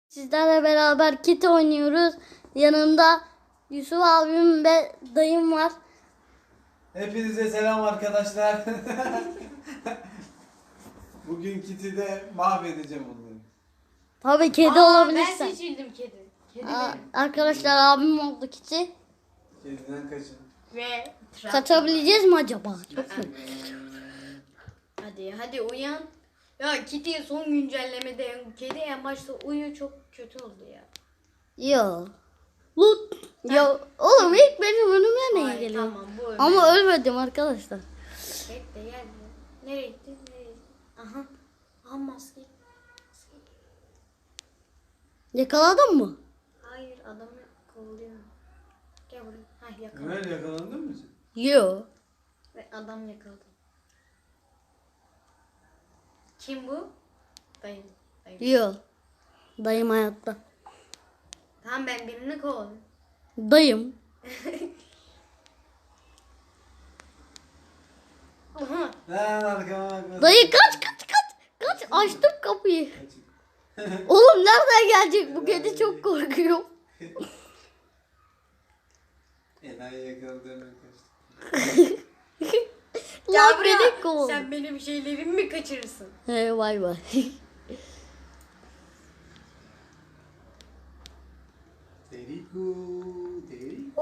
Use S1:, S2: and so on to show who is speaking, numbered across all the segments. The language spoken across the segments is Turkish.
S1: Sizlerle beraber kit oynuyoruz. Yanımda Yusuf abim ve dayım var.
S2: Hepinize selam arkadaşlar. Bugün Kit'i de mahvedeceğim onları.
S1: Tabii kedi olabilirsin.
S3: Ben seçildim kedi. Kedi benim.
S1: Arkadaşlar abim oldu kiti.
S2: Kediden kaçın.
S3: Ve
S1: Kaçabileceğiz mi acaba? Çok mu?
S3: Hadi uyan. Ya Kitty son güncellemede kedi en başta uyu çok kötü oldu ya.
S1: Yo. Lut. Ya oğlum ilk benim önüme ne
S3: Ay,
S1: geliyor?
S3: tamam, bu öyle.
S1: Ama ölmedim arkadaşlar.
S3: Bekle gel. Nereye gitti? Aha. Aha maske.
S1: Yakaladın mı?
S3: Hayır adamı kovalıyor. Gel buraya. Hah yakaladım.
S2: Ömer yakalandın mı sen?
S1: Yo.
S3: Ve adam yakaladı. Kim bu? Dayım.
S1: Yo. Dayım hayatta.
S3: Tamam ben birini kovaladım.
S1: Dayım.
S3: Aha.
S2: Lan arkama bakma.
S1: Dayı kaç. Kaç açtım kapıyı.
S2: Kaçın.
S1: Oğlum nereden gelecek bu kedi, çok korkuyor.
S2: Enayi yakaladı hemen kaçtı.
S1: Lan
S3: buraya.
S1: beni kov.
S3: Sen benim şeylerimi mi kaçırırsın?
S1: He vay vay.
S2: Teriku. Teriku.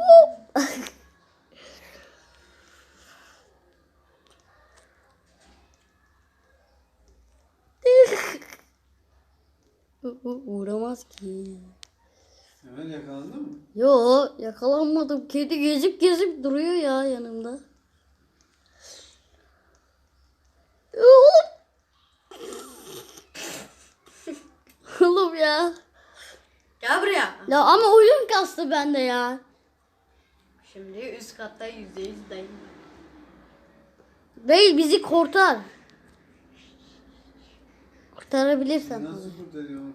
S1: Uğramaz ki.
S2: Ömer yakalandın mı?
S1: Yo yakalanmadım. Kedi gezip duruyor ya yanımda. Oğlum. Oğlum ya.
S3: Gel buraya.
S1: Ya ama oyun kastı bende ya.
S3: Şimdi üst katta %100 dayım.
S1: Bey bizi kurtar. Kurtarabilirsen.
S2: Nasıl kurtarıyorum?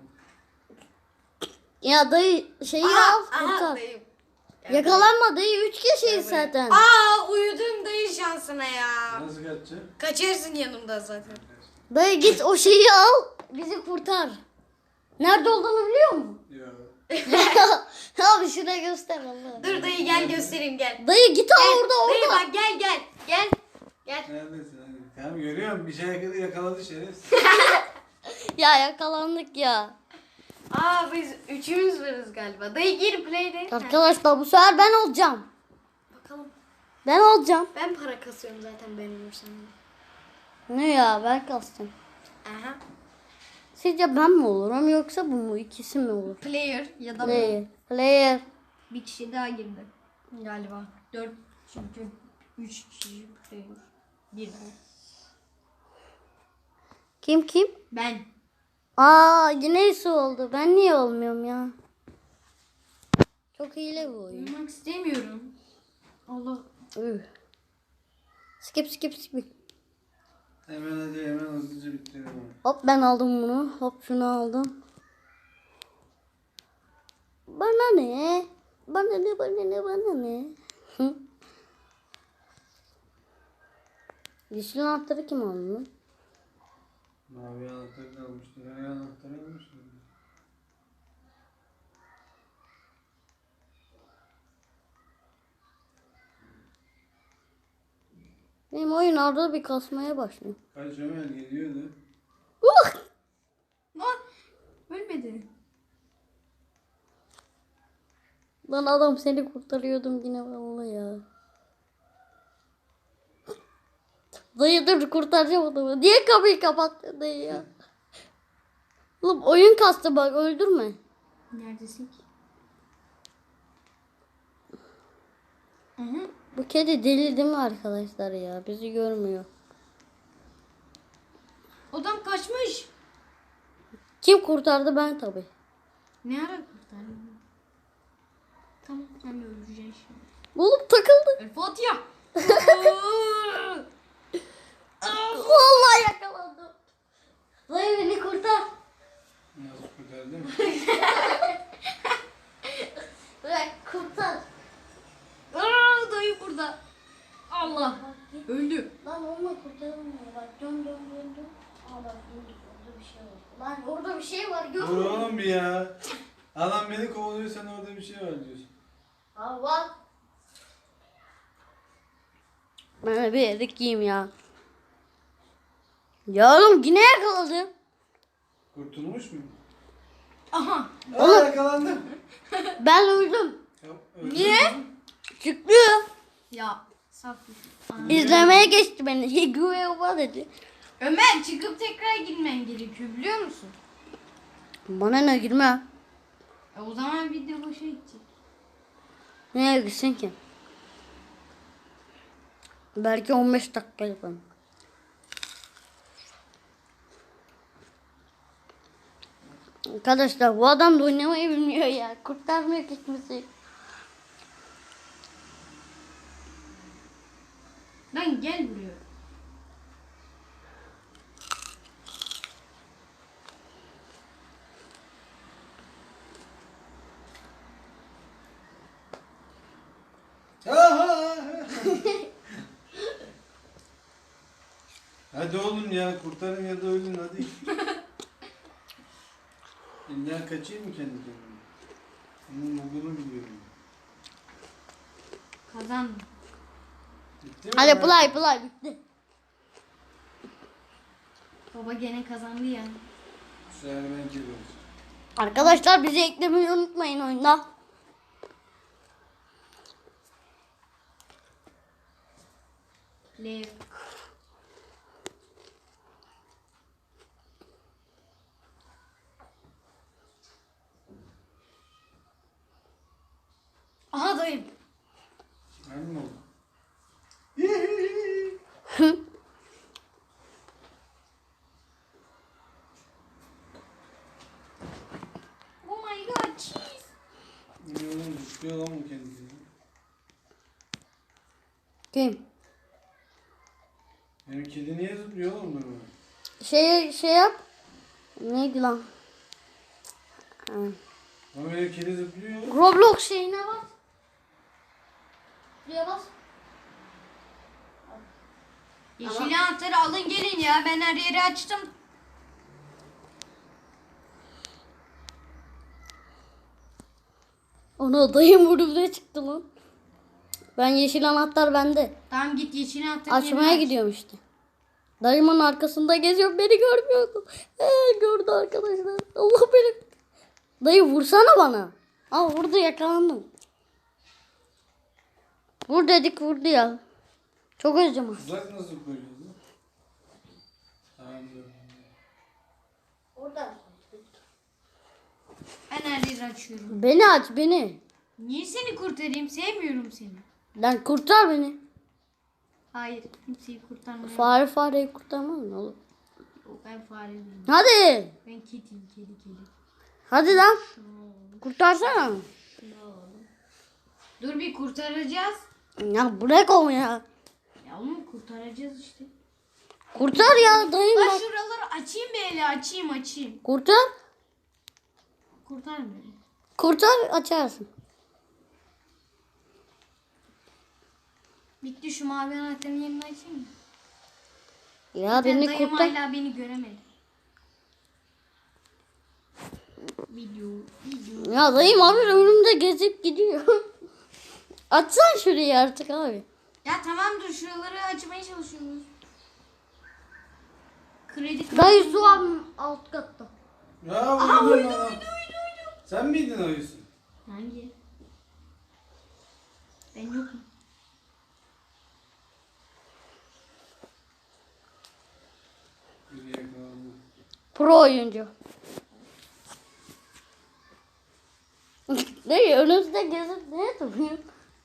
S1: Ya dayı şeyi al kurtar.
S3: dayım.
S1: Yakalanma dayı, 3 kişiyiz zaten.
S3: Uyudum dayı şansına ya.
S2: Nasıl kaçacağım?
S3: Kaçarsın yanımda zaten.
S1: Dayı git o şeyi al, bizi kurtar. Nerede olduğunu biliyor musun?
S2: Yok.
S1: Abi şuraya göster Allah.
S3: Dur dayı gel göstereyim gel.
S1: Dayı git al
S3: Gel,
S1: orada
S3: dayı
S1: orada.
S3: bak gel. Gel.
S2: Neredesin hadi. Tamam görüyorum bir şey yakaladı şerefsiz.
S1: Ya yakalandık ya.
S3: Biz üçümüz varız galiba. Dayı gir play'de.
S1: Arkadaşlar bu sefer ben olacağım.
S3: Bakalım.
S1: Ben olacağım.
S3: Ben para kasıyorum zaten ben olursam.
S1: Ne ya, ben kastım.
S3: Aha.
S1: Sizce ben mi olurum yoksa bu mu? İkisi mi olur?
S3: Player ya da
S1: Player.
S3: bir kişi daha girdi. Galiba. 4 çünkü 3 kişi player. Girdi.
S1: Kim?
S3: Ben.
S1: Yine Yusuf oldu. Ben niye olmuyorum ya? Çok hile bu oyun.
S3: Uyumak istemiyorum. Allah.
S1: Üh. Skip.
S2: Hemen hadi hemen hızlıca bitiriyorum.
S1: Hop ben aldım bunu. Hop şunu aldım. Bana ne? Bana ne? Hı? Yeşil anahtarı kim aldı lan?
S2: Mavi anahtarı da almıştır. Her anahtarı almıştır.
S1: Benim oyun arada bir kasmaya başlıyor.
S2: Kaç Ömer geliyordu.
S3: Ölmedi.
S1: Lan adam seni kurtarıyordum yine vallahi ya. Dayı dur kurtaracağım adamı. Niye kapıyı kapattın dayı ya? Oğlum oyun kastı bak, öldürme.
S3: Neredesin ki?
S1: Bu kedi deli değil mi arkadaşlar ya? Bizi görmüyor.
S3: Adam kaçmış.
S1: Kim kurtardı? Ben tabii.
S3: Ne ara kurtardın? Tamam sen de öleceksin şimdi.
S1: Oğlum takıldı.
S3: El Fatiha.
S1: Vallahi yakalandım. Dayı beni kurtar.
S2: Nasıl kurtardın?
S1: Bırak kurtar.
S3: Dayı burada. Allah. Öldü.
S1: Lan onunla kurtarılmıyor. Bak dön. Aa bak dur, orada bir şey var. Lan orada bir bir şey var.
S2: Dur oğlum bir ya. Adam beni kovalıyor, sen orada bir şey var diyorsun.
S1: Ha var. Ben de bir erik yiyeyim ya. Ya oğlum yine yakaladım.
S2: Kurtulmuş mu?
S3: Aha.
S2: Aa, yakalandım.
S1: Ben öldüm.
S2: Ya, öldün
S3: Niye?
S2: mü?
S1: Çıktı.
S3: Ya saf.
S1: İzlemeye geçti beni. Güve dedi.
S3: Ömer çıkıp tekrar girmen gerekiyor biliyor musun?
S1: Bana ne girme.
S3: O zaman video boşa gidecek.
S1: Neye gitsin ki? Belki 15 dakika yaparım. Arkadaşlar bu adam da oynamayı bilmiyor ya. Kurtarmıyor kimseyi.
S3: Lan gel buraya.
S2: Aha! Hadi oğlum ya, kurtarın ya da ölün hadi. İlla kaçayım mı kendi kendime? Bunun bugunu biliyorum.
S3: Kazandım.
S2: Bitti mi?
S1: Hadi play bitti.
S3: Baba gene kazandı ya.
S2: Bu sefer ben geliyorum.
S1: Arkadaşlar bizi eklemeyi unutmayın oyunda.
S3: Lev. Aha dayım.
S2: Aynı mı oldu?
S3: Oh my god cheese.
S2: Ne oğlum, düşüyor lan bu kendi kendine.
S1: Kim?
S2: Benim kedi niye zıplıyor oğlum böyle?
S1: Şey yap. Neydi lan? Ha.
S2: Ama benim kedi zıplıyor.
S1: Roblox şeyine bas. Şuraya bas.
S3: Yeşil anahtarı alın gelin ya. Ben her yeri açtım.
S1: Ona dayım vurdu çıktı lan. Ben yeşil anahtar bende.
S3: Tamam git yeşil anahtarı
S1: Açmaya gidiyorum işte. Dayımın arkasında geziyorum, beni görmüyordu. Gördü arkadaşlar. Allah beni. Dayı vursana bana. Aa vurdu, yakalandım. Vur dedik vurdu ya. Çok özledim.
S2: Uzak nasıl koyacağız lan? Tamam dur.
S1: Orada.
S3: Ben her yeri açıyorum.
S1: Beni aç beni.
S3: Niye seni kurtarayım? Sevmiyorum seni.
S1: Lan kurtar beni.
S3: Hayır. Kimseyi kurtarmıyorum.
S1: Fareyi kurtarmaz mı oğlum?
S3: Yok, ben fare değilim.
S1: Hadi.
S3: Ben kediyim. Kedi.
S1: Hadi lan. Kurtarsana.
S3: Dur bir kurtaracağız.
S1: Ya bırak onu ya.
S3: Ya oğlum kurtaracağız işte.
S1: Kurtar ya dayım
S3: Lan
S1: bak.
S3: şuraları açayım böyle açayım.
S1: Kurtar.
S3: Kurtarmıyorum.
S1: Kurtar açarsın.
S3: Bitti şu mavi anahtarın yerini açayım mı?
S1: Ya
S3: Ben
S1: beni
S3: dayım
S1: kurtar.
S3: hala beni göremedi. Video.
S1: Ya dayım abi önümde gezip gidiyor. Açsana şurayı artık abi.
S3: Ya tamam dur şuraları açmaya çalışıyoruz. Kredi
S1: Dayı su abi alt katta.
S2: Ya uyudum lan. Sen miydin ayısı?
S3: Hangi? Ben yokum.
S2: Biri yakalandı.
S1: Pro oyuncu. Dayı önümüzde gezip ne duruyor?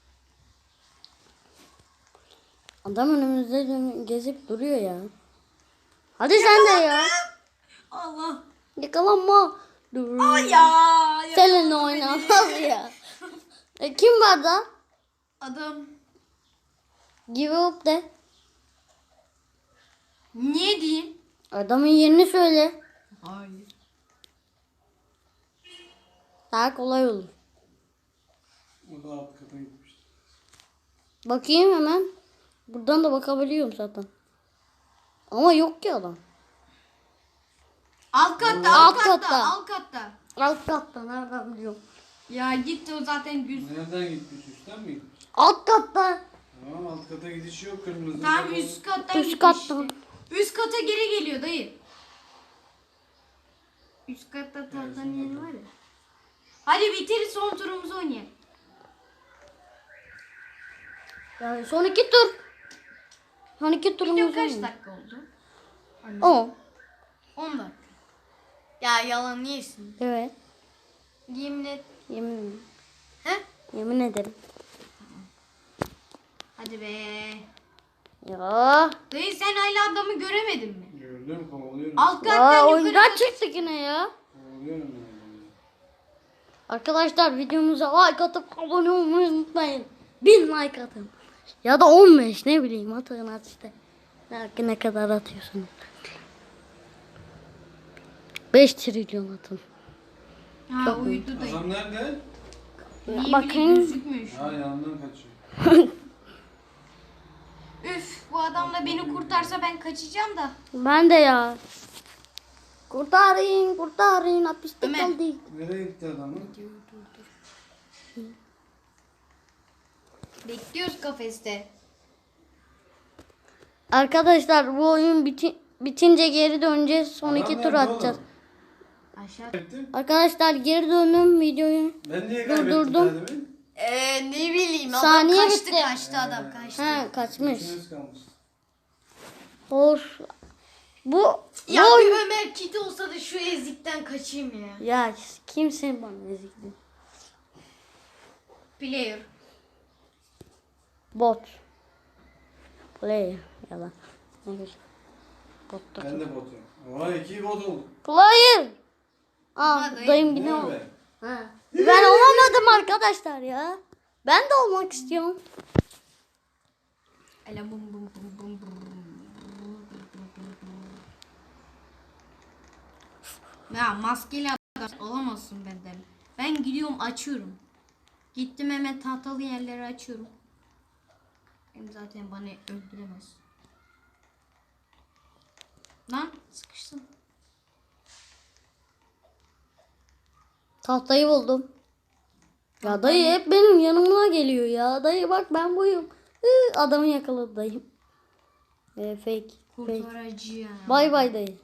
S1: Adam önümüzde gezip duruyor ya. Hadi sen de ya.
S3: Allah.
S1: Yakalanma. Dur.
S3: Ay ya.
S1: Seninle oynamaz ya. Kim var da?
S3: Adam.
S1: Give up de.
S3: Niye diyeyim?
S1: Adamın yerini söyle.
S3: Hayır.
S1: Daha kolay olur.
S2: O da alt kata gitmişti.
S1: Bakayım hemen. Buradan da bakabiliyorum zaten. Ama yok ki adam.
S3: Alt katta,
S1: Alt
S3: alt katta,
S1: katta.
S3: alt katta.
S1: Alt katta nereden biliyorum?
S3: Ya gitti o zaten düz.
S2: Nereden gitmiş? Üstten mi gitmiş?
S1: Alt katta.
S2: Tamam alt kata gidiş yok kırmızı.
S3: Tamam
S2: kapalı.
S3: üst kattan
S1: Üst
S3: gitti
S1: kattan.
S3: işte. Üst kata geri geliyor dayı. Üst katta tahtanın
S2: son
S3: yeri
S2: kata.
S3: var ya. Hadi bitir son turumuzu oynayalım.
S1: Yani son 2 tur. Son 2
S3: Video
S1: turumuz
S3: kaç
S1: var.
S3: dakika oldu?
S1: 10.
S3: 10 dakika. Ya yalan yesin.
S1: Evet.
S3: Yemin et.
S1: Yemin ederim.
S3: He?
S1: Yemin ederim.
S3: Hadi be.
S1: Ya.
S3: Dayı sen hala adamı göremedin mi?
S2: Gördüm kovalıyorum.
S3: Alt
S1: Ya
S3: kattan yukarı
S1: oyundan
S3: kat-
S1: çıktık yine ya.
S2: Kovalıyorum yani.
S1: Arkadaşlar videomuza like atıp abone olmayı unutmayın. 1000 like atın. Ya da 15 ne bileyim atın at işte. Ne kadar atıyorsunuz. 5 trilyon atın.
S3: Ha
S1: Çok
S3: uyudu dayı.
S2: Adam nerede?
S3: Niye
S1: Bakın.
S3: bile gözükmüyor şu an.
S2: Ha yanından kaçıyor.
S3: Üf bu adam da beni kurtarsa ben kaçacağım da.
S1: Ben de ya. Kurtarın kurtarın hapiste
S3: Ömer.
S1: kaldık.
S2: Nereye gitti adamı?
S3: Bekliyoruz kafeste.
S1: Arkadaşlar bu oyun bitince geri döneceğiz. Son
S2: Adam
S1: 2 tur
S2: nerede
S1: atacağız.
S2: oğlum?
S3: Aşağı.
S2: Kaybettim.
S1: Arkadaşlar geri döndüm videoyu.
S2: Ben niye
S1: Durdurdum.
S2: kaybettim kendimi?
S3: Ne bileyim adam
S1: Saniye
S3: kaçtı
S1: bitti.
S3: kaçtı adam kaçtı.
S1: Ha kaçmış.
S2: İkiniz kalmış.
S1: Hoş. Bu
S3: Ya
S1: bu
S3: bir Ömer kit olsa da şu ezikten kaçayım ya.
S1: ya kimsin bana ezikti?
S3: Player.
S1: Bot. Player. Yalan. Ne güzel. Bot da.
S2: Ben de botum. Oha 2 bot oldu.
S1: Player. Aa
S3: Ama
S1: dayım
S2: Ne
S1: yine o.
S2: be?
S1: Ha. Ben olamadım arkadaşlar ya. Ben de olmak istiyorum.
S3: Ala bum bum bum bum bum. Ya maskeli adam olamazsın benden. Ben gidiyorum açıyorum. Gittim hemen tahtalı yerleri açıyorum. Hem zaten bana öldüremez. Lan sıkıştım.
S1: Tahtayı buldum. Ya dayı hep benim yanıma geliyor ya. Dayı bak ben buyum. Adamı yakaladı dayım. Fake. Fake.
S3: Kurtarıcı ya.
S1: Bay bay dayı.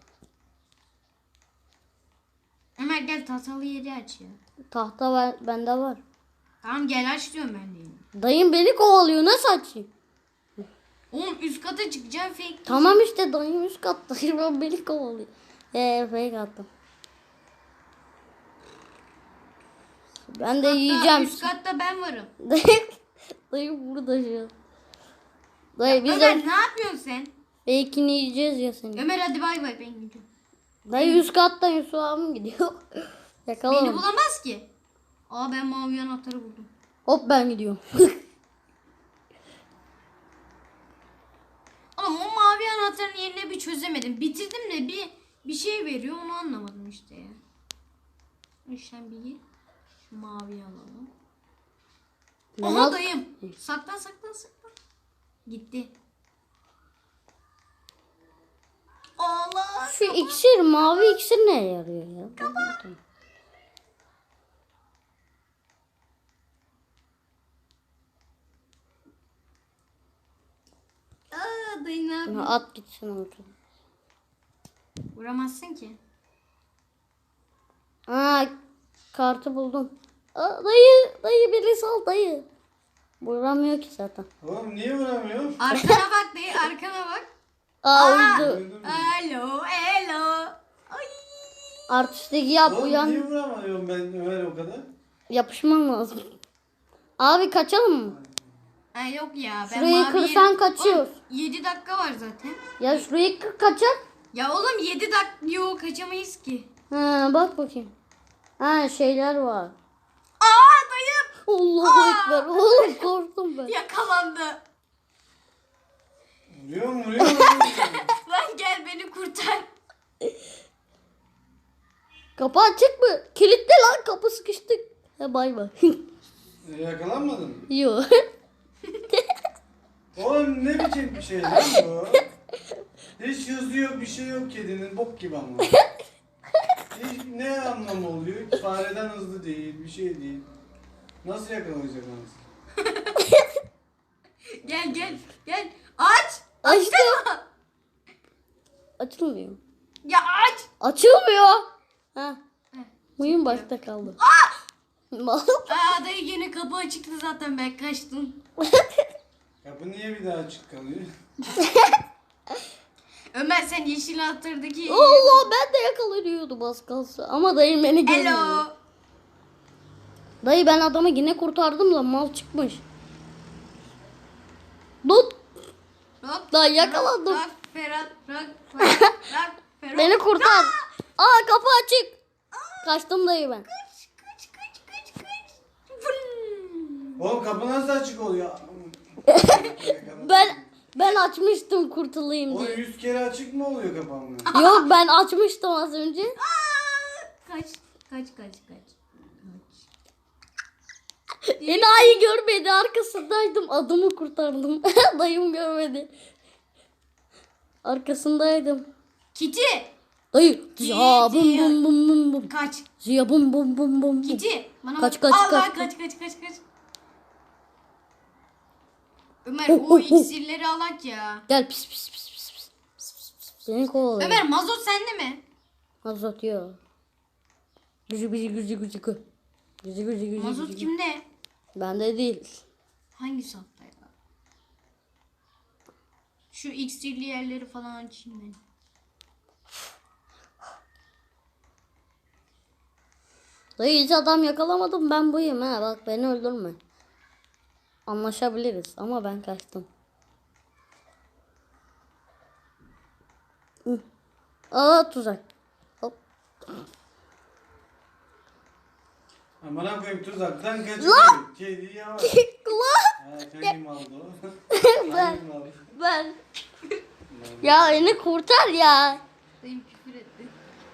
S3: Ömer gel tahtalı yeri aç ya.
S1: Tahta bende var.
S3: Tamam gel aç diyorum ben de.
S1: Dayım beni kovalıyor. Nasıl açayım?
S3: Oğlum üst kata çıkacağım fake.
S1: Tamam işte dayım üst katta. Ben beni kovalıyor. Fake attım. Ben de yiyeceğim.
S3: Üst katta ben varım.
S1: Dayı burada şu an. Dayı biz
S3: Ömer
S1: de
S3: ne yapıyorsun sen?
S1: fake'ini yiyeceğiz ya seni.
S3: Ömer hadi bay bay ben gidiyorum.
S1: Dayı üst katta Yusuf abim gidiyor.
S3: Beni
S1: Yakalama.
S3: bulamaz ki. Aa ben mavi anahtarı buldum.
S1: Hop ben gidiyorum.
S3: Ama o mavi anahtarın yerine bir çözemedim. Bitirdim de bir şey veriyor onu anlamadım işte ya. İşte bir şu maviyi alalım.
S1: Ben
S3: Aha
S1: al-
S3: dayım. Saklan saklan saklan. Gitti. Allah.
S1: Şu iksir mavi iksir neye yarıyor ya?
S3: Aa dayı ne yapıyor?
S1: At gitsin orada.
S3: Vuramazsın ki.
S1: Aa kartı buldum. Dayı beni sal dayı. Vuramıyor ki zaten.
S2: Oğlum niye vuramıyor?
S3: Arkana bak dayı arkana bak.
S1: Uydu.
S2: Öldüm mü?
S3: Alo alo. Ay.
S1: Artistlik yap
S2: Oğlum
S1: uyan.
S2: niye vuramıyorum ben Ömer o kadar?
S1: Yapışman lazım. Abi kaçalım mı?
S3: Ha yok ya. Ben
S1: Şurayı
S3: mavi
S1: kırsan
S3: yeri-
S1: kaçıyoruz.
S3: Oğlum, 7 dakika var zaten.
S1: Ya şurayı kaçak.
S3: Ya oğlum 7 dakika yok kaçamayız ki.
S1: Ha bak bakayım. Ha şeyler var.
S3: Aa dayım
S1: Allahu ekber. Oğlum korktum ben.
S3: yakalandı.
S2: Vuruyor.
S3: Lan gel beni kurtar.
S1: Kapı açık mı? Kilitli lan kapı sıkıştık. Ha bay bay.
S2: Yakalanmadın mı?
S1: Yok.
S2: Oğlum ne biçim bir şey lan bu? Hiç hızı yok bir şey yok kedinin bok gibi ama. ne anlamı oluyor? Fareden hızlı değil, bir şey değil. Nasıl yakalayacak anasını?
S3: Gel gel gel. Aç.
S1: Açtım. Açılmıyor.
S3: Ya aç.
S1: Açılmıyor. Ha.
S3: Heh,
S1: Oyun başta kaldı. Mal.
S3: Aa dayı yine kapı açıktı zaten ben kaçtım.
S2: Kapı niye bir daha açık kalıyor?
S3: Ömer sen yeşil anahtarındaki...
S1: Allah ben de yakalanıyordum az kalsa. Ama dayım beni görmüyor.
S3: Hello.
S1: Dayı ben adamı yine kurtardım da mal çıkmış. Tut.
S3: Rock,
S1: Dayı yakalandım.
S3: Rock, Ferhat, Ferhat.
S1: Beni kurtar. Aa kapı açık. Kaçtım dayı ben.
S3: Kaç. Vın.
S2: Oğlum kapı nasıl açık oluyor?
S1: Ben açmıştım kurtulayım
S2: O
S1: diye.
S2: 100 kere açık mı oluyor kapanmıyor?
S1: Yok ben açmıştım az önce.
S3: Aa, kaç.
S1: Enayi görmedi arkasındaydım adamı kurtardım. Dayım görmedi. Arkasındaydım.
S3: Kiti.
S1: Dayı ya bum bum bum bum bum.
S3: Kaç.
S1: Ya bum bum bum bum.
S3: Kiti. Bana
S1: Kaç,
S3: bak.
S1: kaç,
S3: Allah,
S1: kaç.
S3: kaç. Ömer o iksirleri alak ya.
S1: Gel pis pis pis pis pis. Seni kovalıyor.
S3: Ömer mazot sende mi?
S1: Mazot yok. Gücü.
S3: Mazot kimde?
S1: Bende değil.
S3: Hangi safta ya? Şu iksirli yerleri falan açayım ben.
S1: Dayı hiç adam yakalamadım ben buyum ha bak beni öldürme. Anlaşabiliriz ama ben kaçtım. Hı. Aa tuzak. Hop.
S2: Amına koyayım tuzaktan kaçıyor. Kedi yavaş.
S1: Kulağım.
S2: Ha kayım aldı o.
S1: Ben.
S2: Kayım aldı.
S1: Ben. Ya beni kurtar ya.
S3: Dayım küfür etti.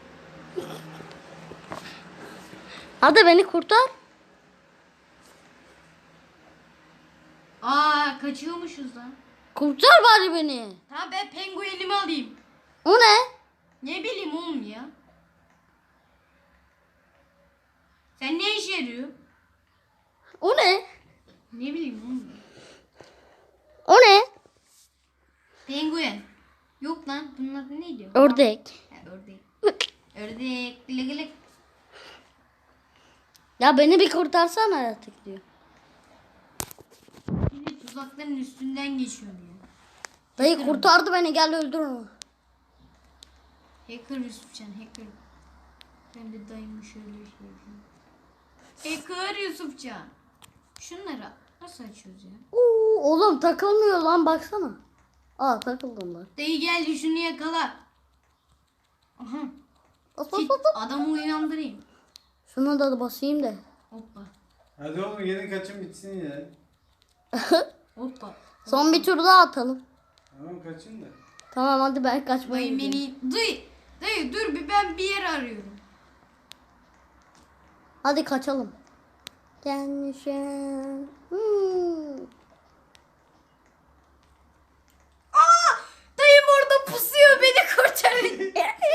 S1: Hadi beni kurtar.
S3: Aa kaçıyormuşuz lan.
S1: Kurtar bari beni.
S3: Tamam ben penguenimi alayım.
S1: O ne?
S3: Ne bileyim oğlum ya. Sen ne işe yarıyor?
S1: O ne?
S3: Ne bileyim oğlum.
S1: O ne?
S3: Penguen. Yok lan bunun adı neydi?
S1: Ördek.
S3: Ha, ördek. Ördek. Gılı gılı.
S1: Ya beni bir kurtarsana artık diyor.
S3: Yine tuzakların üstünden geçiyorum ya.
S1: Dayı kurtardı beni gel öldür onu.
S3: Hacker Yusufcan hacker. Ben de dayımı şöyle şey yapayım. Hacker Yusufcan. Şunları nasıl açıyoruz ya?
S1: Oo, oğlum takılmıyor lan baksana. Aa takıldım ben.
S3: Dayı geldi şunu yakala. Aha.
S1: Bas, bas,
S3: Git
S1: bas, bas.
S3: adamı uyandırayım.
S1: Şuna da basayım da.
S3: Hoppa.
S2: Hadi oğlum gelin kaçın bitsin ya.
S3: Hoppa.
S1: Son bir tur daha atalım.
S2: Tamam kaçın da.
S1: Tamam hadi ben kaçmaya
S3: Dayı
S1: gidiyorum.
S3: beni... Dayı dur bir ben bir yer arıyorum.
S1: Hadi kaçalım. Gelmişim.
S3: Aa! Dayım orada pusuyor beni kurtarın.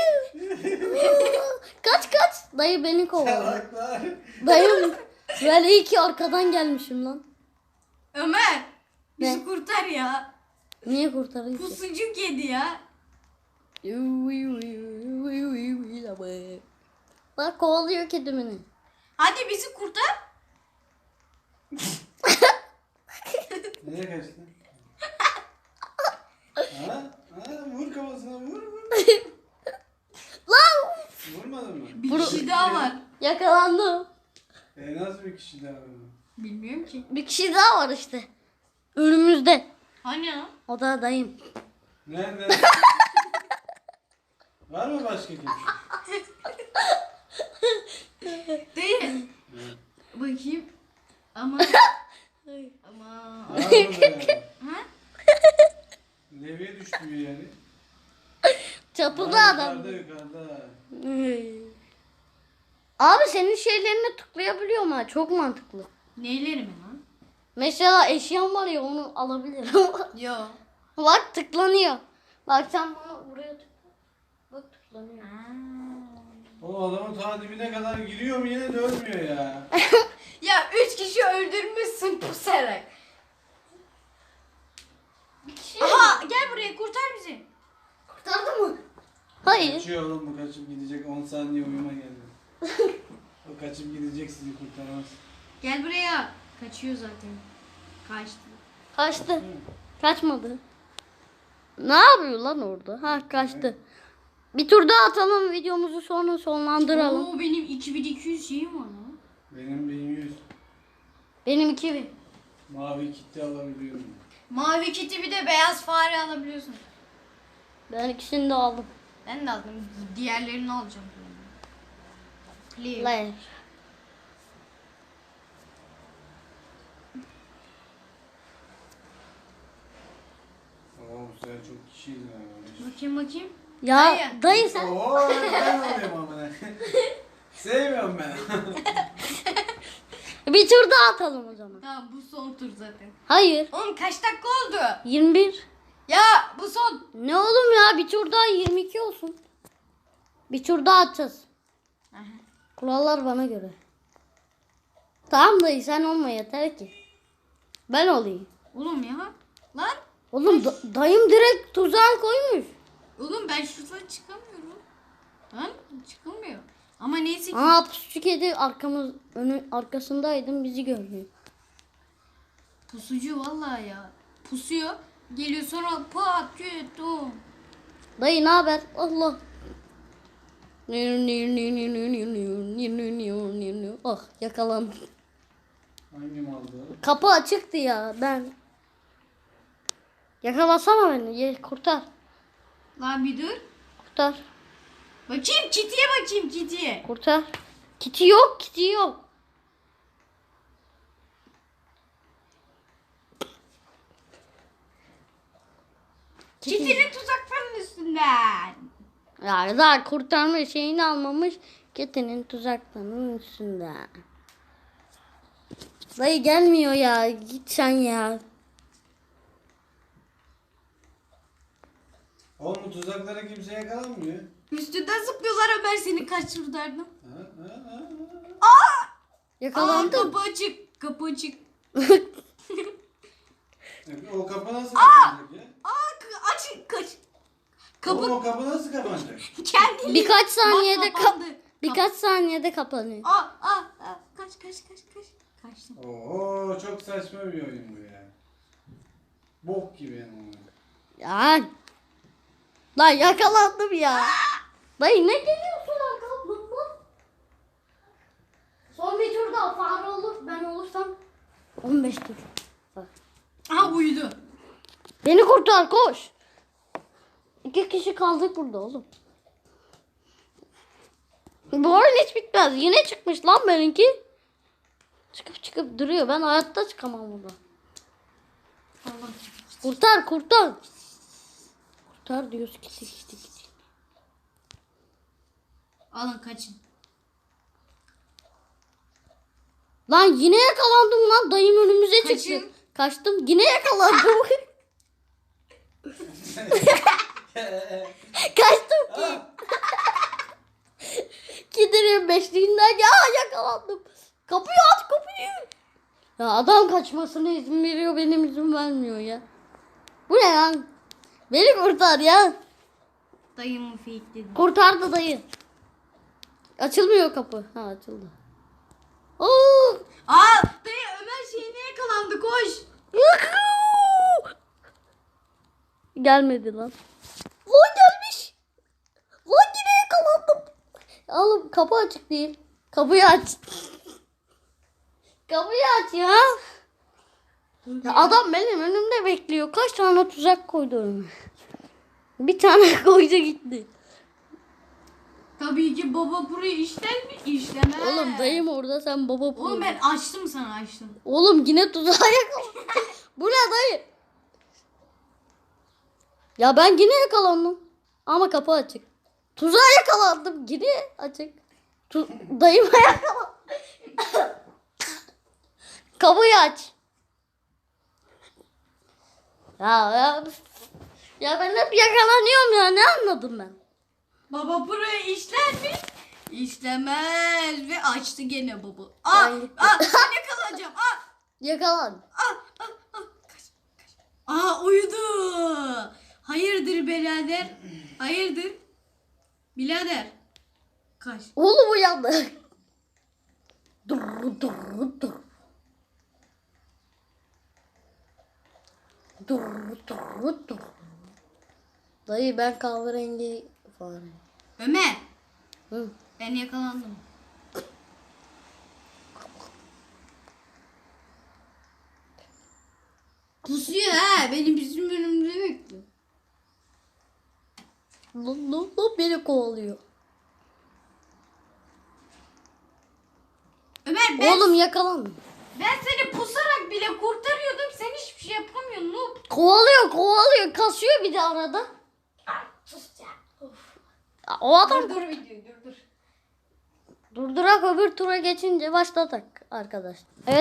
S1: Kaç. Dayı beni kovalıyor.
S2: Salaklar.
S1: Dayım. Ben iyi ki arkadan gelmişim lan.
S3: Ömer. Bizi
S1: Ne?
S3: kurtar ya.
S1: Niye kurtarayım ki?
S3: Pusucuk yedi ya.
S1: Bak kovalıyor kedimini.
S3: Hadi bizi kurtar.
S2: Nereye kaçtın? Ha? Vur kafasına vur.
S1: Lan!
S2: Vurmadın mı?
S3: Bir kişi daha var.
S1: Yakalandım.
S2: Nasıl bir kişi daha var?
S3: Bilmiyorum ki.
S1: Bir kişi daha var işte. Önümüzde.
S3: Hani ya?
S1: O da dayım.
S2: Nerede? Var mı başka kimse?
S3: Değil. Bakayım. Ama. Ama.
S2: Var burada.
S3: Ha?
S2: Levye düştü bir yere.
S1: Çatıda
S2: Var,
S1: adam.
S2: Yukarıda.
S1: Abi senin şeylerini tıklayabiliyor mu? Çok mantıklı.
S3: Neyleri mi lan?
S1: Mesela eşyan var ya onu alabilirim.
S3: Yo.
S1: Bak tıklanıyor. Bak sen bunu buraya tıkla. Bak tıklanıyor.
S2: O adamın ta dibine kadar giriyor mu yine de ölmüyor ya.
S3: Ya 3 kişi öldürmüşsün pusarak. Aha gel buraya kurtar bizi.
S1: Kurtardı mı? Hayır.
S2: Kaçıyor oğlum bu, kaçıp gidecek, 10 saniye uyuma geldi. O kaçıp gidecek, sizi kurtaramaz.
S3: Gel buraya. Kaçıyor zaten. Kaçtı.
S1: Kaçtı. Kaçmadı. Ne yapıyor lan orada? Ha kaçtı. Bir tur daha atalım, videomuzu sonra sonlandıralım.
S3: Oo benim 2200 şeyim var lan.
S2: Benim 1100.
S1: Benim 2000.
S2: Mavi kitle alabiliyorum.
S3: Mavi kiti bir de beyaz fare alabiliyorsun.
S1: Ben ikisini de aldım.
S3: Ben de aldım. Diğerlerini alacağım. Please.
S1: Player.
S2: Oo bu sefer çok kişiyiz yani.
S3: Bakayım.
S1: Ya
S3: Dayı.
S1: dayı sen.
S2: Oo ben alıyorum ama ne. Sevmiyorum ben.
S1: Bir tur daha atalım o zaman.
S3: Tamam bu son tur zaten.
S1: Hayır.
S3: Oğlum kaç dakika oldu?
S1: 21.
S3: Ya bu son.
S1: Ne oğlum ya, bir tur daha 22 olsun. Bir tur daha atacağız.
S3: Aha.
S1: Kurallar bana göre. Tamam dayı, sen olma yeter ki. Ben olayım.
S3: Oğlum ya. Lan.
S1: Oğlum dayım direkt tuzağa koymuş.
S3: Oğlum ben şuradan çıkamıyorum. Lan çıkılmıyor. Ama neyse ki.
S1: Aa pusu kedi arkasındaydım, bizi görmüyor.
S3: Pusucu vallahi ya. Pusuyor. Geliyor sonra pat küt dum.
S1: Dayı ne haber? Allah. Ah yakalandım.
S2: Hangim aldı?
S1: Kapı açıktı ya ben. Yakalasana beni. Kurtar.
S3: Lan bir dur.
S1: Kurtar.
S3: Bakayım kitiye bakayım kitiye.
S1: Kurtar. Kiti yok. Kiti yok.
S3: Kitinin tuzaklarının üstünden.
S1: Ya daha kurtarma şeyini almamış. Kitinin tuzaklarının üstünde. Dayı gelmiyor ya. Git sen ya.
S2: Oğlum bu tuzaklara kimse yakalanmıyor.
S3: Üstünden zıplıyorlar, Ömer seni kaçırdardım.
S1: Yakalandım.
S3: Kapı açık. Kapı açık.
S2: O kapı nasıl kapanacak ya?
S3: Açık kaç. Kapı
S2: Oğlum o kapı nasıl kapanacak?
S3: kendini.
S1: Birkaç saniyede
S3: kapandı.
S1: birkaç saniyede kapanıyor.
S3: Kaç. Kaçtım.
S2: Oo çok saçma bir oyun bu ya. Bok gibi yani.
S1: Ya. Lan yakalandım ya. Dayı ne geliyorsun arkamdan? Son bir tur daha fare olur. Ben olursam 15 tur. Bak.
S3: Aha uyudu.
S1: Beni kurtar koş. 2 kişi kaldık burada oğlum. Bu oyun hiç bitmez. Yine çıkmış lan benimki. Çıkıp duruyor. Ben hayatta çıkamam burada.
S3: Allah.
S1: Kurtar. Kurtar diyoruz. Gitti.
S3: Alın kaçın.
S1: Lan yine yakalandım lan. Dayım önümüze çıktı.
S3: Kaçın.
S1: Kaçtım. Yine yakalandım. Kaçtım ki. Giderim beşliğinden. Ya yakalandım. Kapıyı aç kapıyı. Ya adam kaçmasına izin veriyor. Benim izin vermiyor ya. Bu ne lan? Beni kurtar ya.
S3: Dayımı fakeledi.
S1: Kurtardı dayı. Açılmıyor kapı. Ha açıldı. Oo!
S3: Dayı Ömer şeyine yakalandı koş.
S1: Yuhuu! Gelmedi lan. Lan gelmiş. Lan yine yakalandım. Oğlum kapı açık değil. Kapıyı aç. Kapıyı aç ya. Ya adam benim önümde bekliyor. Kaç tane tuzak koydu önüme. Bir tane koydu gitti.
S3: Tabii ki baba burayı işler mi? İşlemez.
S1: Oğlum dayım orada, sen baba
S3: Oğlum
S1: burada.
S3: ben açtım sana açtım.
S1: Oğlum yine tuzağa yakalandım. Bu ne dayı? Ya ben yine yakalandım. Ama kapı açık. Tuzağa yakalandım. Yine açık. Dayıma yakalandım. Kapıyı aç. Ya ben hep yakalanıyorum ya. Ne anladım ben?
S3: Baba burayı işler mi? İstemez ve açtı gene baba.
S1: Ben gittim.
S3: Ben yakalanacağım.
S1: Yakalan.
S3: Uyudu. Hayırdır birader? Hayırdır? Birader. Kaç.
S1: Oğlum uyandı. Dur. Dur. Dayı ben kahverengi fare.
S3: Ömer.
S1: Hı.
S3: Ben yakalandım. Pusuyor ha. Bizim önümüzde bekliyor.
S1: Lan beni kovalıyor.
S3: Ömer ben
S1: Oğlum yakalan.
S3: seni pusarak bile kurtarıyordum. Sen hiçbir şey yapamıyorsun. Noob.
S1: Kovalıyor. Kasıyor bir de arada.
S3: Sus ya.
S1: O adam
S3: Dur videoyu dur.
S1: durdurak öbür tura geçince başladık arkadaşlar. Evet